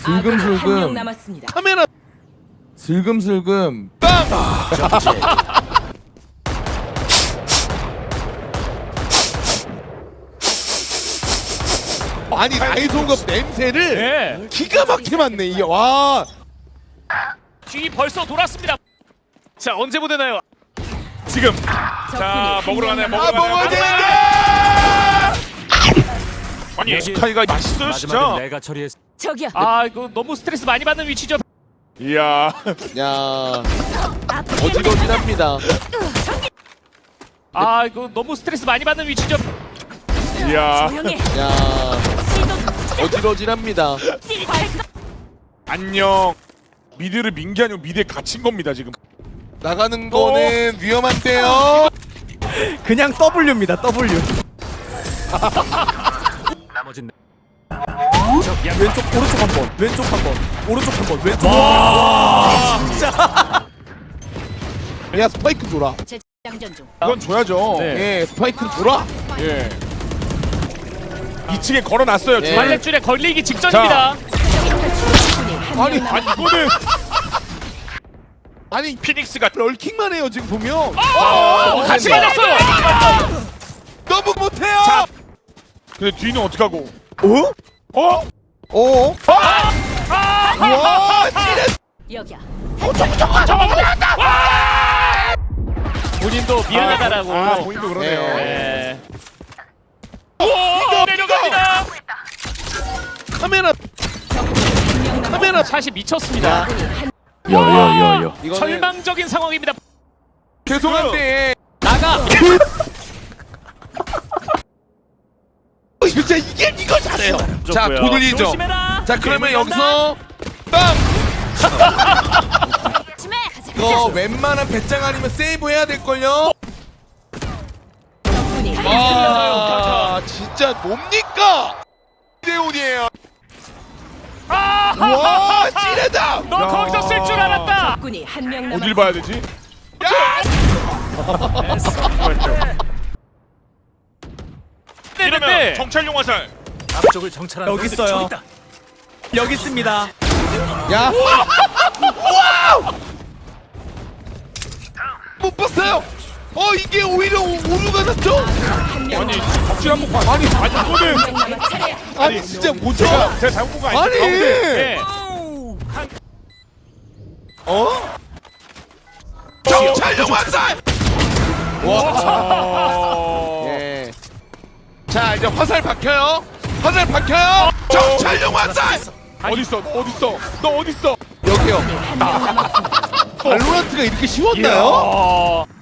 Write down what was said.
한명 슬금슬금 남았습니다. 카메라 슬금슬금 빵! 아니 나이송급 냄새를 네. 기가 막히게 맡네 이게. 와 뒤 벌써 돌았습니다. 자 언제 보내나요? 지금 자 먹으러 가네. 아 먹어야 되는데. 아니 스카이가 맛있어요 진짜. 내가 처리했. 저기요. 아 이거 너무 스트레스 많이 받는 위치죠. 이야 야 어지러지랍니다. 아 이거 너무 스트레스 많이 받는 위치죠. 이야 조용해. 야 어지러지랍니다. 안녕. 미드를 민 게 아니고 미드에 갇힌 겁니다 지금. 나가는 거는 위험한데요. 그냥 W입니다. W. 나머진 왼쪽 오른쪽 한 번. 왼쪽 한 번. 오른쪽 한 번. 왼쪽. 와 진짜. 야 스파이크 줘라. 재장전 중. 이건 줘야죠. 네. 예 스파이크 줘라. 예. 2층에 걸어놨어요. 예. 발렛줄에 걸리기 직전입니다. 아니 이거는 아니 피닉스가 럴킹만 해요 지금 보면. 같이 맞았어요. 너무 못해요. 자. 근데 뒤는 어떡하고? 어? 어? 와 진짜. 여기야. 본인도 미안하다라고. 아 본인도 그러네요. 네. 오 내려갑니다. 카메라 카메라 샷이 미쳤습니다. 여여여여. 이거는 절망적인 상황입니다. 죄송한데 나가. 진짜 이거 잘해요. 자 돌리죠. 조심해라. 자 그러면 괴물 여기서 빵. 조심해. 이거 웬만한 배짱 아니면 세이브 해야 될 걸요. 적군이 아 진짜 뭡니까? 대운이에요. 와 찌르다. 너 거기서 쓸 줄 알았다. 적군이 한명 어딜 남았습니다. 봐야 되지? 이러면 정찰용 화살. 앞쪽을 정찰하는 여기 있어요. 여기 있습니다. 야. 못 봤어요. 이게 오히려 오류가 났죠? 아니 덕질 한번 봐. 아니 이거는 한명 남았. 아니 진짜 뭐죠? 제가 잘못 본 거 아니죠? 아니. 가운데. 네. 정찰용 화살. 와. 예. 자 이제 화살 박혀요. 화살 박혀요. 정찰용 화살. 어디 있어? 어디 있어? 너 어디 있어? 여기요. 발로란트가 이렇게 쉬웠나요? 어.